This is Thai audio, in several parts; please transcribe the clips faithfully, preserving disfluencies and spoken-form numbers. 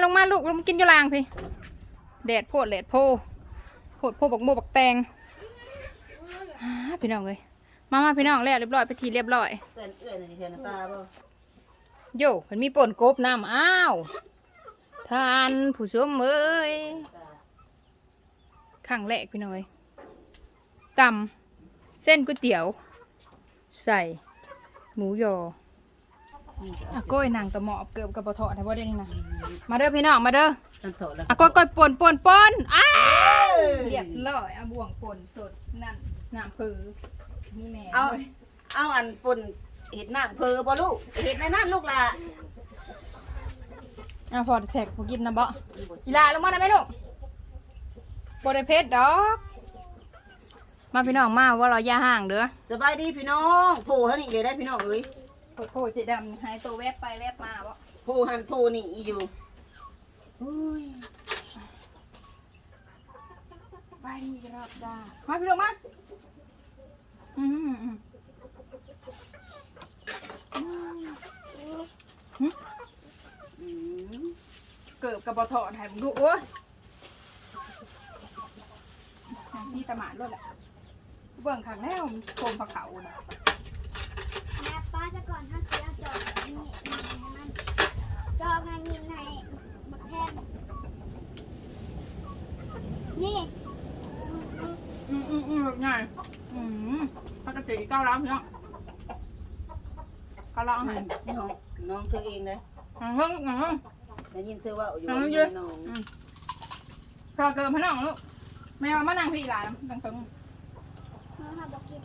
งมาลูกลงมากินอยู่ลางพี่แดดโพดแดดโพโพดโพบักโมบักแตงพี่น้องเลยมามาพี่น้องแล้วเรียบร้อยไปทีเรียบร้อยเอื้อนเอื้อนนี่เห็นตาบ่โย่มันมีป่นกบน้ำอ้าวทานผู้ชมเอ้ยข้างแรกพี่น้องเลยตำเส้นก๋วยเตี๋ยวใส่หมูยออะก้อยนางตะหมอบเกือบกับปะเถาะนะว่าได้นี่นะมาเด้อพี่น้องมาเด้ออะก้อยก้อยป่นป่นป่นอ้าวเรียบร้อยอะบ่วงป่นสดนั่นน้ำผือนี่แม่เอาเอาอันปุ่นเห็ดหน้าเพอบ่ลูกเห็ดในนั่นลูกล่ะอ่ะพอแท็กพอกินนะบ่อีลาลงมาได้ไหมลูกโบได้เพชรดอกมาพี่น้องมาว่าเราย่าห่างเด้อสบายดีพี่น้องโผล่เท่านี้เลยได้พี่น้องเอ้ยโผล่โผล่เจดำหายตัวแวบไปแวบมาบ่โผล่หันโผล่นี่อยู่สบายดีกันรอบจ้ามาพี่น้องมาอืมอืมอืมเกิดกับบอทอถ่ายมึงดูโอ้ยที่ตะหมาดด้วยแหละเบื้องข้างแนวโคมผักเขาน่ะแม่ป้าจะก่อนถ้าเสียจอดนี่มันจอดงานยินในบักแทนนี่อืมอืมอืมแบบไงอืมพักกระจีเก้าล้านเนาะก็ลองให้น้องน้องเธอเองเลยงงงงงได้ยินเธอว่าอยู่น้องพอเกินพนังลูกแม่มานั่งพี่หลานตั้งตึงน้องทำบอกกิน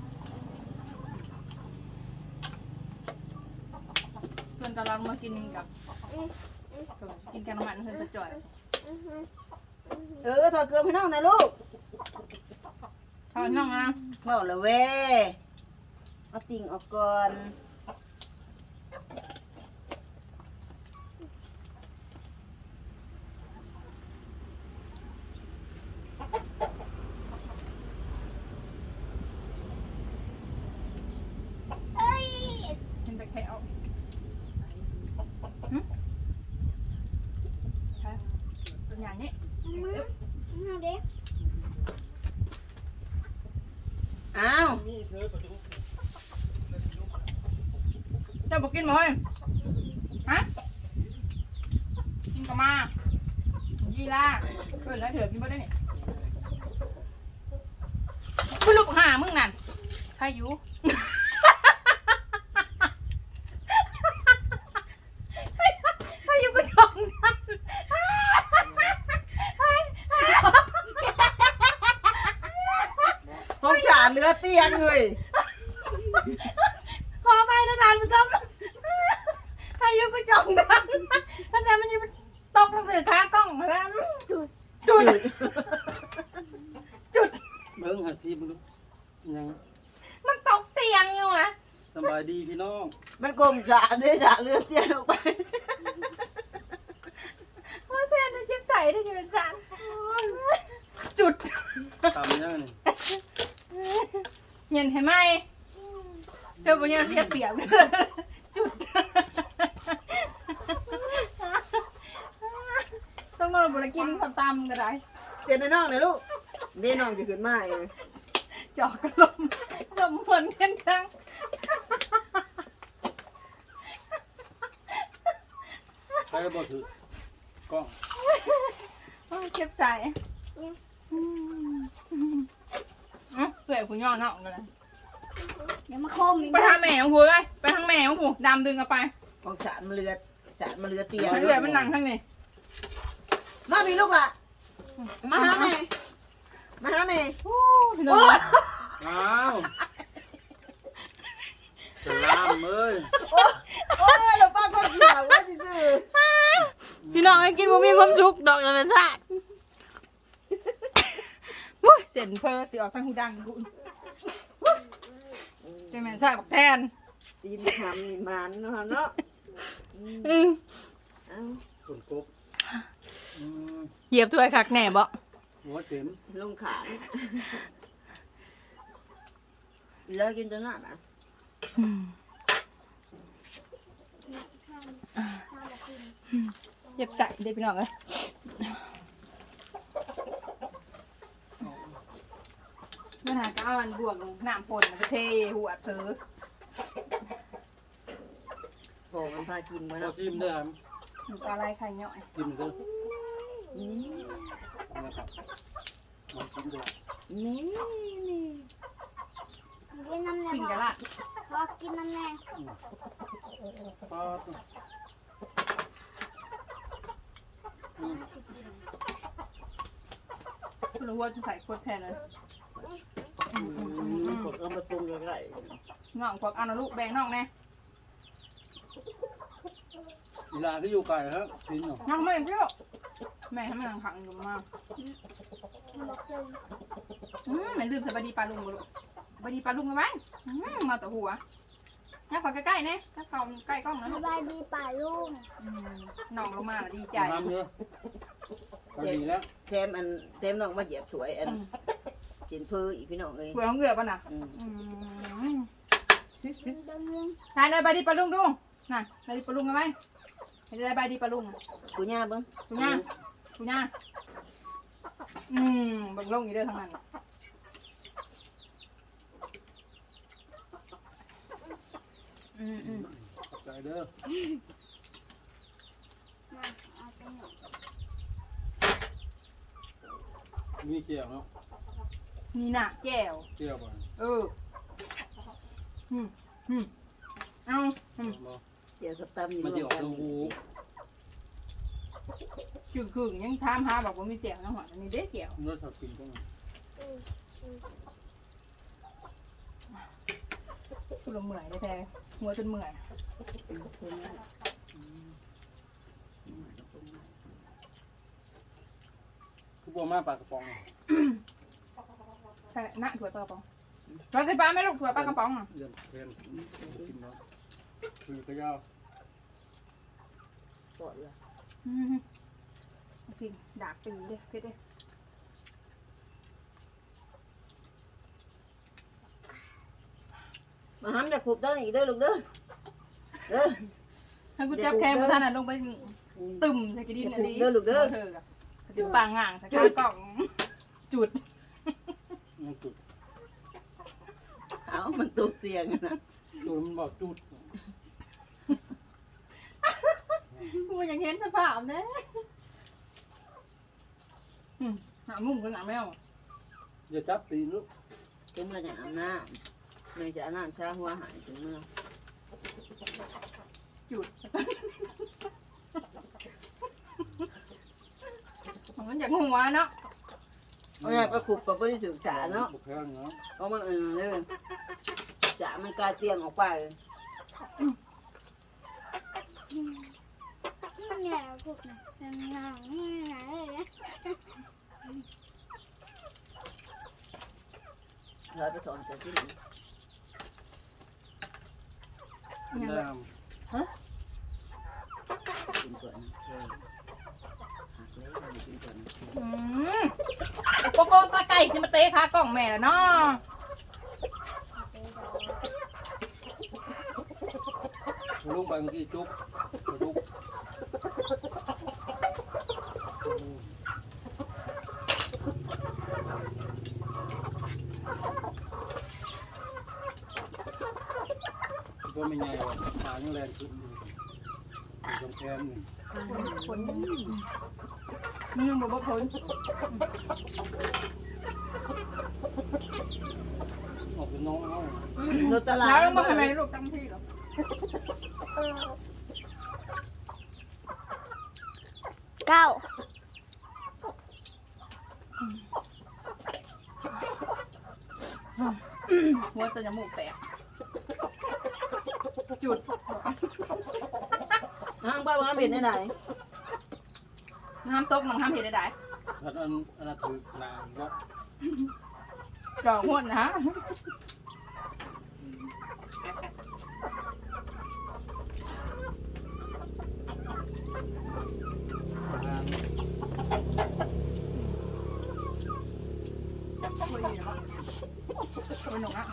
ส่วนตอนเรามากินกับกินกันมันเพื่อนจะจ่อยเออถอดเกลือพี่น้องนะลูกถอดน้องอ่ะเมาละเว้เอาติ่งออกก่อนเป็นไปแค่เอาเป็นอย่างนี้เอาเด็กอ้าวเจ้าบอกกินมั้ยฮะกินกับมายี่ล่าเกิดแล้วเถอะกินบ่ได้เนี่ยคุณลูกหามึงนั่นใครอยู่ใครอยู่ก็ชมกันห้องฉาเรือเตียงเลยขอไปนะทานผู้ชมใครอยู่ก็ชมกันถ้าใจมันจะตกลงสู่ขากล้องแล้วจุดจุดเบิ้งหาซีมึงดูยังมันตกเตียงอยู่อ่ะสบายดีพี่น้องมันกลมฉาเรือฉาเรือเตียงออกไปโอ้ยเพื่อนมันเจ็บใส่ได้จะเป็นสันจุดทำยังนี่เย็นให้ไหมเธอบอกยังเทียบเปียกจุดต้องนอนบนกินทำตำก็ได้เจนในน้องเลยลูกเด้น้องจะขึ้นมาเองจอกกระลมลมฝนเกันครั้งใครบอกถือกล้องเก็บใส่เสื่อยคุณย่อเนาะกันเลยเดี๋ยวมาคมไปทางแม่ของผู้ไปไปทางแม่ของผู้ดำดึงเอาไปของฉามันเรือฉามันเรือเตียงเรือมันนั่งข้างนี้มาพี่ลูกล่ะมาหาแม่มาหาแม่โอ้อ้าวสลามเอ้ยโอ้ยเราป้าก็เกี่ยวว่าจริงๆพี่น้องให้กินบ่มีความสุขดอกธรรมชาติเสียนเพอสิออกข้างหูดังกูเจะแม่นใส่บักแทนตีนหำนี่มันเนาะเนาะอืมคนกบเหยียบถ้วยคักแหน่บ่หัวเต็มลงขาเลิกกินจนหน้าอ่ะเย็บใส่เด็กพี่น้องเอ้ยมันหาก้าวันบวกน้ำปนมันก็เทหัวเธอโอ้มันพากินมาเราเนาะชิมด้วยครับหนูปลาไหลไข่เนาะชิมด้วยนี่นะครับลองชิมด้วยนี่นี่กินน้ำแน่ปิ่งกะพอละพอกินน้ำแน่ป๊าดอืมรู้ว่าจะใส่ขวดแทนเลยอืมกดเอามาปรุงก็ได้น้องควักเอานะลูกแบ่งน้องแน่อีลาที่อยู่ไกลครับชิมหน่อยน้องไม่เที่ยวแม่ทำไมนังขังอยู่มากบอกเลยอืมแม่ลืมสบายดีปลาลุงบ่ลูกสบายดีปลาลุงกันไหมอืมมาแต่หัวนักขอใกล้ๆเนี่ยนักเขาใกล้กล้องนะสลูกบายดีป่าลุงอืมน้องลงมาแล้วดีใจน้ำเยอะพอดีแล้วแถมอันแถมน้องมาเหยียบสวยอันสินพื้อีพี่น้องเอ้ยหัวของเหลือป่ะน่ะอืมอืมดังนึงทานเลยบายดีปลาลุงดูน่ะบายดีปลาลุงกันไหมให้ได้บายดีปลาลุงกูย่าเบิ่งกูย่ากูย่าอืมเบิ่งลงอยู่เด้อทางนั้นอืมอืมใจเด้อมาเอาไปหนึ่งมีเจียวเนาะนี่น่ะแก้วเจียวบ่อยเอออืมอืมเอาอืมเนาะเดี๋ยวกับตำอยู่มันรจะวอมอกกันลูคือคือยังถามหาบอกว่ามีแก้วนะหัวอันนี้เด้แก้วเนื้อสับกินก็มันกูละเมื่อยได้แท้หัวจนเมื่อยคือบัวมาปลากระป๋องใช่น่ะถั่วปลากระป๋องเราใส่ปลาไหมลูกถั่วปลากระป๋องอ่ะเดือนเพนกินเนาะคือกระยาวกดเลยอืมกินดาบปีเด้เพชรเด้มาห้ามจะขุบต้นอีกเด้อลูกเด้อเด้อถ้ากูจับแค่มาท่านน่ะลงไปตึมใส่กระดิ่งอันนี้เธอกับสิปางง่างใส่ข้าวกล่องจุดมันจุดเอามันตกเตียงนะจุดมันบอกจุดกูอยากเห็นสภาพนะหามุมกันหนาแมวอย่าจับตีนลูกถึงเมื่อจะอาบน้ำไม่จะอาบน้ำช้าหัวหายถึงเมื่อจุดมันอยากหัวเนาะเอาไงประคุบกับไม่ได้ศึกษาเนาะบุกแพงเนาะเพราะมันเออเลยจะมันกลายเตียงออกไปนี่แหละพวกนี้เป็นงานนี่ไหนเลยนะเราไปสอนแต่ที่ไหนยังน้ฮะกินก่อนเออหักเลยกินก่อนอืมโกโก้ก็ไก่สิมาเตะขากล่องแม่แล้วเนาะำลุงไปเมื่อกี้จุ๊บจุ๊บก็ไม่ไงวะขายังแรงขึ้นอยู่ตรงแขนนี่ผลมึงยังบอกว่าผลออกเป็นน้องเขารถตลาดแล้วมึงทำไมลูกตั้งที่หรอเก้าหัวจะจมูกแตกจุดห้างบ้านมันเป็นได้ไหนห้ามตกน้องห้ามเห็นได้อันนั้นอันนั้นคือนางเนาะจ่อหัวนะนางคุยอยู่เนาะคุยหนุ่มอ่ะ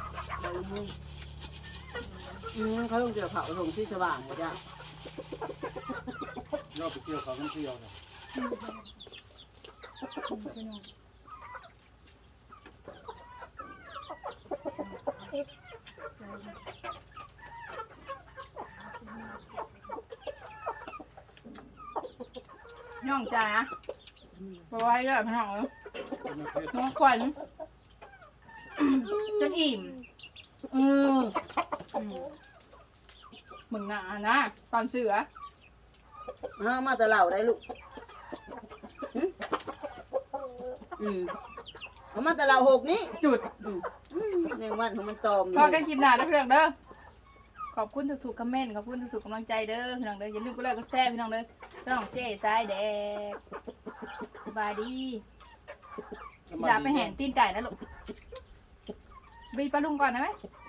อืมเขาต้องเจอเผาถงที่สว่างกว่าจ้ะยอดไปเกี่ยวเขาน้ำเที่ยวเลยน้องจ๋าบไว้เลยพี่น้องเอ้ยเป็นประเภทน้องขวัญจนอิ่มอืมอืมมึงหนานะตอนเสือห้ามาแต่เหล่าได้ลูกหึอืมเอามาแต่เหล่าหกนี้จุดอืมอืมแมงวันของมันตอมพอกันคลิปหน้าแล้วพี่น้องเด้อขอบคุณทุกๆคอมเมนต์ขอบคุณทุกๆกำลังใจเด้อพี่น้องเด้ออย่าลืมกดไลค์กดแชร์พี่น้องเด้อช่องเจ๊สายแดกสบายดีพี่ดาไปแห่นตีนไก่นะลูกบีปลาลุงก่อนนะไหม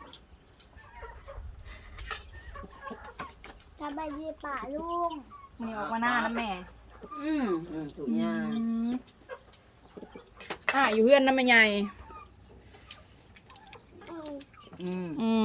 สบายดีป่าลุงมันนี่ออกมาหน้านะแม่อืมอืมถูกยาอืมอ่าอยู่เพื่อนนะแม่ใหญ่อืมอืมอืม